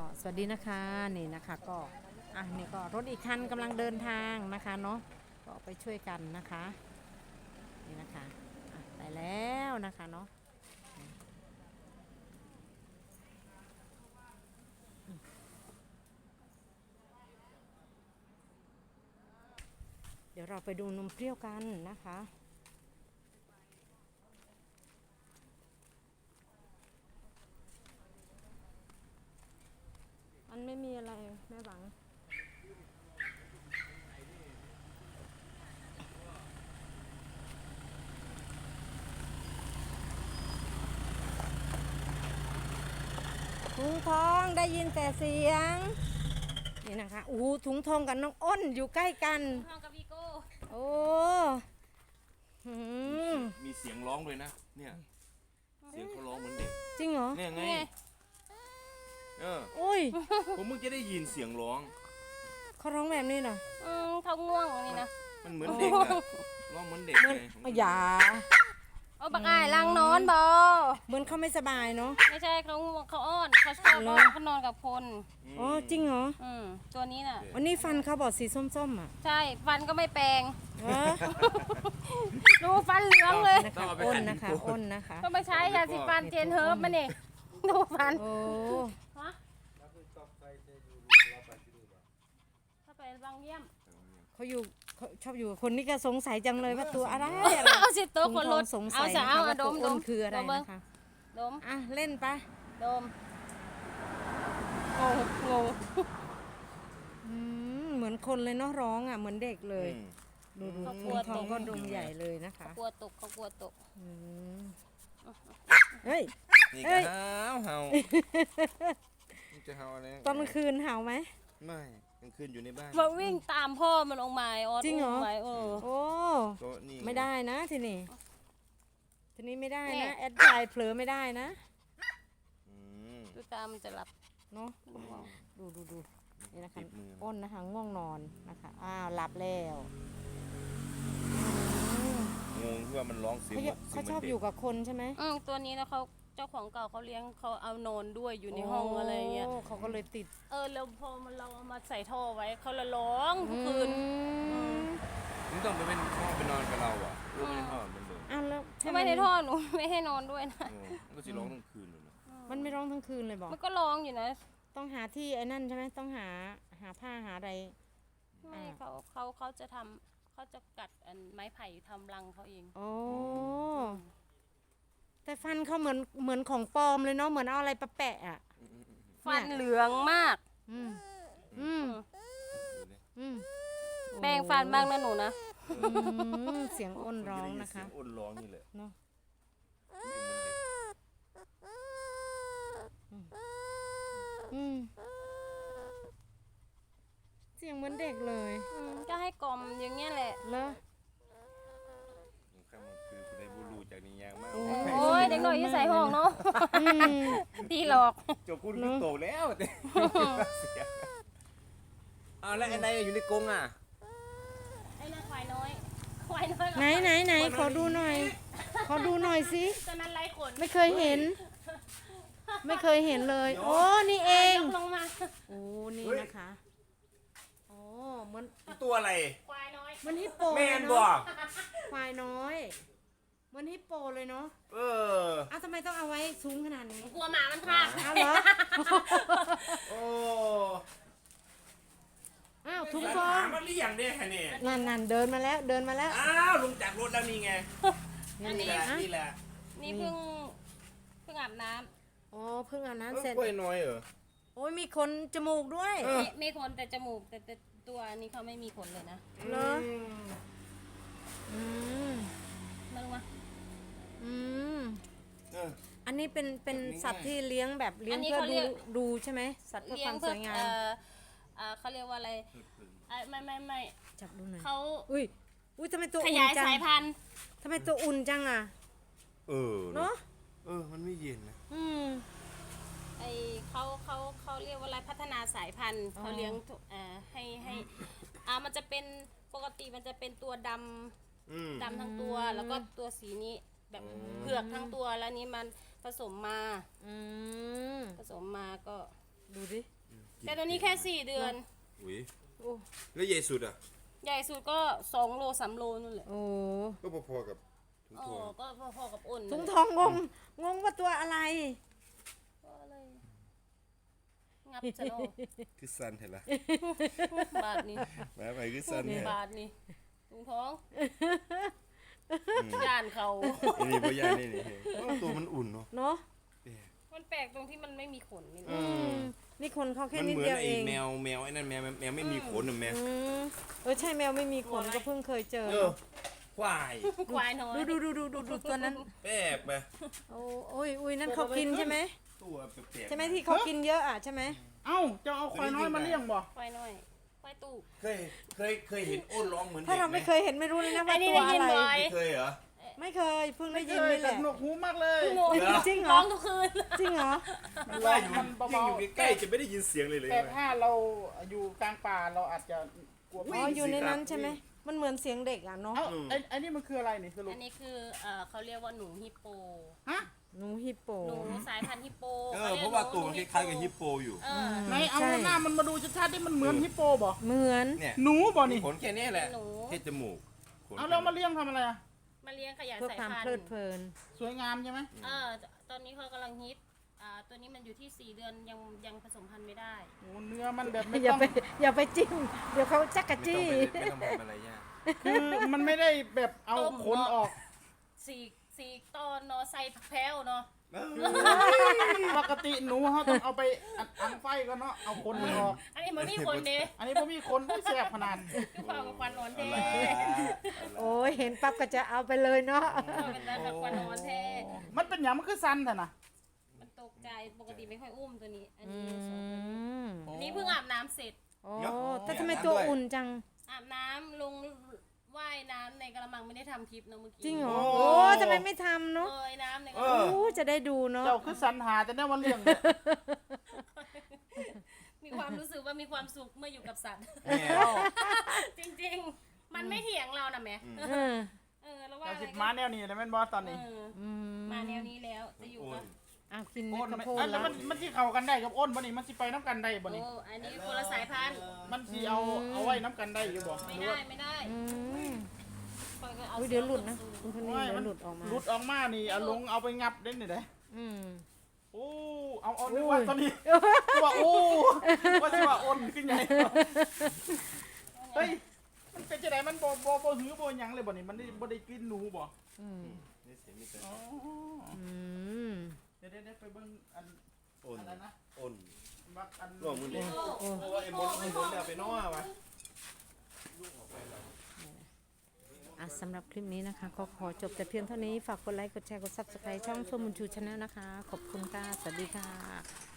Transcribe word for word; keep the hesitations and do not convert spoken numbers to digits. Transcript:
สวัสดีนะคะนี่นะคะก็อ่ะนี่ก็รถอีกคันกำลังเดินทางนะคะเนาะก็ไปช่วยกันนะคะนี่นะคะอ่ะไปแล้วนะคะเนาะเดี๋ยวเราไปดูนมเปรี้ยวกันนะคะมันไม่มีอะไรแม่หวังถุงทองได้ยินแต่เสียงนี่นะคะอู้ถุงทองกับน้องอ้นอยู่ใกล้กันทองกับวีโก้โอ้หืมมีเสียงร้องด้วยนะเนี่ยเสียงเขาร้องเหมือนเด็กจริงเหรอเนี่ยไงเออโอ้ยผมเพิ่งจะได้ยินเสียงร้องเขาร้องแบบนี้เหรออืมเขาง่วงนี่นะมันเหมือนเด็กอะร้องเหมือนเด็กเลยอย่าเอาบักอ้ายลังนอนบอเหมือนเขาไม่สบายเนาะไม่ใช่เขาง่วงเขาอ้อนเขาชอบเขานอนกับคนอ๋อจริงเหรออืมตัวนี้น่ะวันนี้ฟันเขาบอกสีส้มๆอ่ะใช่ฟันก็ไม่แปลงดูฟันเหลืองเลยอ้นนะคะอ้นนะคะก็มาใช้ยาสีฟันเจนเฮิร์บมาเนี่ยดูฟันโอ้ฮะถ้าไปบางเยี่ยมเขาอยู่เขาชอบอยู่คนนี้ก็สงสัยจังเลยว่าตัวอะไรเอาสิตัวคนรถสงสัยนะคะว่าตัวอ้นคืออะไรนะคะดมอ่ะเล่นไปดมงงงงเหมือนคนเลยเนาะร้องอ่ะเหมือนเด็กเลยดูดูถุงทองก็ดมใหญ่เลยนะคะกลัวตกเขากลัวตกเฮ้ยนี่ก็เห่าเห่าจะเห่าอะไรตอนกลางคืนเห่าไหมไม่กลางคืนอยู่ในบ้านมาวิ่งตามพ่อมันลงมาออดจริงเหรอโอ้โอ้ไม่ได้นะทีนี้ทีนี้ไม่ได้นะแอดไลน์เผลอไม่ได้นะดูตามันจะหลับเนาะดูดูดูนี่นะคะอ้นนะคะง่วงนอนนะคะอ้าวหลับแล้วงงที่ว่ามันร้องเสียงเขาชอบอยู่กับคนใช่ไหมอืมตัวนี้แล้วเขาเจ้าของเก่าเขาเลี้ยงเขาเอานอนด้วยอยู่ในห้องอะไรเงี้ยเขาก็เลยติดเออแล้วพอมันเราเอามาใส่ท่อไว้เขาละร้องทุกคืนมึงต้องไปเป็นพ่อไปนอนกับเราอ่ะลูกไม่ได้นอนมันเลยอ้าวแล้วทำไมในท่อหนูไม่ให้นอนด้วยนะมันก็จะร้องทั้งคืนเลยนะมันไม่ร้องทั้งคืนเลยบอกมันก็ร้องอยู่นะต้องหาที่ไอ้นั่นใช่ไหมต้องหาหาผ้าหาอะไรไม่เขาเขาเขาจะทำเขาจะกัดอันไม้ไผ่ทำรังเขาเองโอ้แต่ฟันเขาเหมือนเหมือนของปลอมเลยเนาะเหมือนเอาอะไรปะแปะอ่ะฟันเหลืองมากอืมอืมอืมแปรงฟันบ้างนะหนูนะเสียงอ้นร้องนะคะอ้นร้องนี่แหละเนาะอืมเสียงเหมือนเด็กเลยก็ให้กล่อมอย่างเงี้ยแหละแล้วข้ามคือคุณได้บูรูจากนิยางมากโอ้ยเด็กหน่อยที่ใส่ห้องเนาะตีหลอกจบคุณโตแล้วอ้าวแล้วไอ้นายอยู่ในกรงอ่ะไอ้น่าควายน้อยควายน้อยไหนไหนไหนขอดูหน่อยขอดูหน่อยสิตอนนั้นไร้ขนไม่เคยเห็นไม่เคยเห็นเลยโอ้นี่เองลงมาโอ้นี่นะคะโอ้เหมือนตัวอะไรควายน้อยมันฮิปโปแมนบอกควายน้อยเหมือนฮิปโปเลยเนาะเอออ้าวทำไมต้องเอาไว้สูงขนาดนี้กลัวหมามันพลาดอ้าวเหรอโอ้อ้าวทุกคนมันเรียงได้แค่นี้นั่นนั่นเดินมาแล้วเดินมาแล้วอ้าวลงจากรถแล้วนี่ไงนี่แหละนี่แหละนี่เพิ่งเพิ่งอาบน้ำอ๋อเพิ่งอาบน้ำเสร็จกล้วยน้อยเหรอโอ้ยมีขนจมูกด้วยมีขนแต่จมูกแต่แต่ตัวนี้เขาไม่มีขนเลยนะเหรออืมมาลงมาอืมอันนี้เป็นเป็นสัตว์ที่เลี้ยงแบบเลี้ยงเพื่อดูดูใช่ไหมสัตว์เพื่อความสวยงามเขาเรียกว่าอะไรไม่ไม่ไม่จับดูหน่อยเขาอุ้ยอุ้ยทำไมตัวขยายสายพันธุ์ทำไมตัวอุ่นจังอ่ะเออเนาะเออมันไม่เย็นนะอืมไอเขาเขาเขาเรียกว่าอะไรพัฒนาสายพันธุ์เขาเลี้ยงอ่าให้ให้อ่ามันจะเป็นปกติมันจะเป็นตัวดำดำทั้งตัวแล้วก็ตัวสีนี้แบบเผือกทั้งตัวแล้วนี้มันผสมมาผสมมาก็ดูดิแต่ตัวนี้แค่สี่เดือนอุ้ยโอ้แล้วใหญ่สุดอ่ะใหญ่สุดก็สองโลสามโลนู่นแหละโอ้ก็พอๆกับถุงอ๋อทองก็พอๆกับอ้นถุงทองงงงงว่าตัวอะไรก็เลยงับจะโนคือสั้นเห็นละบาทนี่แม่ไปคือสั้นเนี่ยบาทนี่ถุงท้องย่านเขาอันนี้บ่ใหญ่นี่นี่เฮ้ยตัวมันอุ่นเนาะเนาะมันแปลกตรงที่มันไม่มีขนนี่อืมนี่คนเขาแค่มันนิดเหมือนเดียวไอ้เองแมวแมวไอ้นั่นแมวแมวไม่มีขนน่ะแมวอืมเออใช่แมวไม่มีขนก็เพิ่งเคยเจอเออควายควายน้อยดูดูดูดูดูดูตัวนั้นแป๊บไปโอ้โอ้ยอุ้ยนั่นเขากินใช่ไหมตัวแปลกๆใช่ไหมที่เขากินเยอะอ่ะใช่ไหมเอ้าจะเอาควายน้อยมาเลี้ยงบ่ควายน้อยควายตู้เคยเคยเคยเห็นอ้นร้องเหมือนเด็กถ้าเราไหมไม่เคยเห็นไม่รู้เลยนะอัว่านนี้ตัวได้ยิอะนไรบ่อยไม่เคยเหรอไม่เคยเพิ่งได้ยินเคยนี่แหแต่ละหนวกหูมากเลยโง่จริงเหรร้อองทุกคืนจริงเหรอมันว่าว่าอยู่มันยิ่งเบาอยู่ใกล้ๆจะไม่ได้ยินเสียงเลยเลยๆแต่ถ้าเราอยู่กลางป่าเราอาจจะกลัวอ๋ออยู่ในนั้นใช่ไหมมันเหมือนเสียงเด็กอ่ะเนาะเอ้าไอ้ไอ้นี่มันคืออะไรนี่สรุปอันนี้คือเอ่อเขาเรียกว่าหนูฮิปโปฮะหนูฮิปโปหนูสายพันธุ์ฮิปโปเออเพราะว่าตัวมันคล้ายๆกับฮิปโปอยู่เออไหนเอาใช่หน้ามันมาดูชัดๆดิมันเหมือนฮิปโปบ่เหมือนเนี่ยหนูบ่นี่ขนแค่นี้แหละแค่จมูกขนเอาเรามาเลี้ยงทำอะไรอ่ะมาเลี้ยงขยายเพื่อสายความพันเพลิดธุ์เพลินสวยงามใช่ไหมเออตอนนี้เขากำลังฮิตอ่าตัวนี้มันอยู่ที่สี่เดือนยังยังผสมพันธุ์ไม่ได้โอ้เนื้อมันแบบไม่อย่าต้องไปอย่าไปจิ้มเดี๋ยวเขาจักกะไม่จี้ต้องไปไม่ต้องทำอะไรยากคือมันไม่ได้แบบเอาขนออกสี่สี่ตอนเนาะใส่ผักแพ้วเนาะปกติหนูเขาต้องเอาไปอัดอังไฟก็เนาะเอาขนมันออกอันนี้มันมีคนเด้อันนี้ผมมีขนผู้แสบขนาดคือความกับควันนอนเท่อะไรโอ้ยเห็นปั๊บก็จะเอาไปเลยเนาะเป็นได้แบบควันนอนเท่มันเป็นอย่างมันคือสั้นแต่นะมันตกใจปกติไม่ค่อยอุ้มตัวนี้ อันอืนี้สองตัวนี้มอันนี้เพิ่งอาบน้ำเสร็จโอ้แต่ทำไมตัวอุ่นจังอาบน้ำลงว่ายน้ำในกระมังไม่ได้ทำคลิปเนาะเมื่อกี้จริงเหรอโอ้ทำไมไม่ทำเนาะเอยน้ำในกเอระมังอโอ้จะได้ดูเนาะเจ้าคือสันหาแต่เนี่ยวันเลี้ยงเนี่ยมีความรู้สึกว่ามีความสุขเมื่ออยู่กับสัตว์แม่จริงๆ มันไม่เถียงเรานะแม่เออเออแล้วว่าเจ้าอะไรสิมาแนวนี้แล้วแม่นบอตอนนี้เอออืมมาแนวนี้แล้วจะอยู่กับอ้าวกินโอ้เม็ดนข้าวไม่โพดอันแล้แล้ว วมันมันที่เข้ากันได้กับอ้นบ่นี่มันสิไปน้ำกันได้บ่โอ้นี่อันนี้คนละสายพันธุ์มันสิเอาเอาไว้น้ำกันได้อยู่บ่ไม่หรือได้ว่าไม่ได้อืมปล่อยก็เอาอุ้ยเดี๋ยวหลุดนะคุณคนนี้ไม่เดี๋ยมัวน หลุดออกมาหลุดออกมานี่เอาลงเอาไปงับเด่นนี่เด้อืมโอ้เอาเอาโอ้ยนึกว่าตอนนี้ว่าโอ้ว่าสิว่าอ้นขึ้นใหญ่เฮ้ยมันเป็นจังไดมันบ่บ่บ่หือบ่หยังเลยบ่นี่มันได้บ่ได้กินหนูบ่อืมนี่เสียงนี่เป็นอ๋ออืมเดี๋ยวเดี๋ยวเดี๋ยวไปเบิ่งอันอ้นอะไรนะอ้นบักอันร่วมมือเลยโอ้เพราะว่าไอ้มนไอ้มนเนี่ยไปน้อวะอ่ะสำหรับคลิปนี้นะคะ ก็ขอจบแต่เพียงเท่านี้ ฝากกดไลค์ กดแชร์ กด ซับสไครต์ ช่องเฟิร์มบุญชูชาแนลนะคะ ขอบคุณค่ะ สวัสดีค่ะ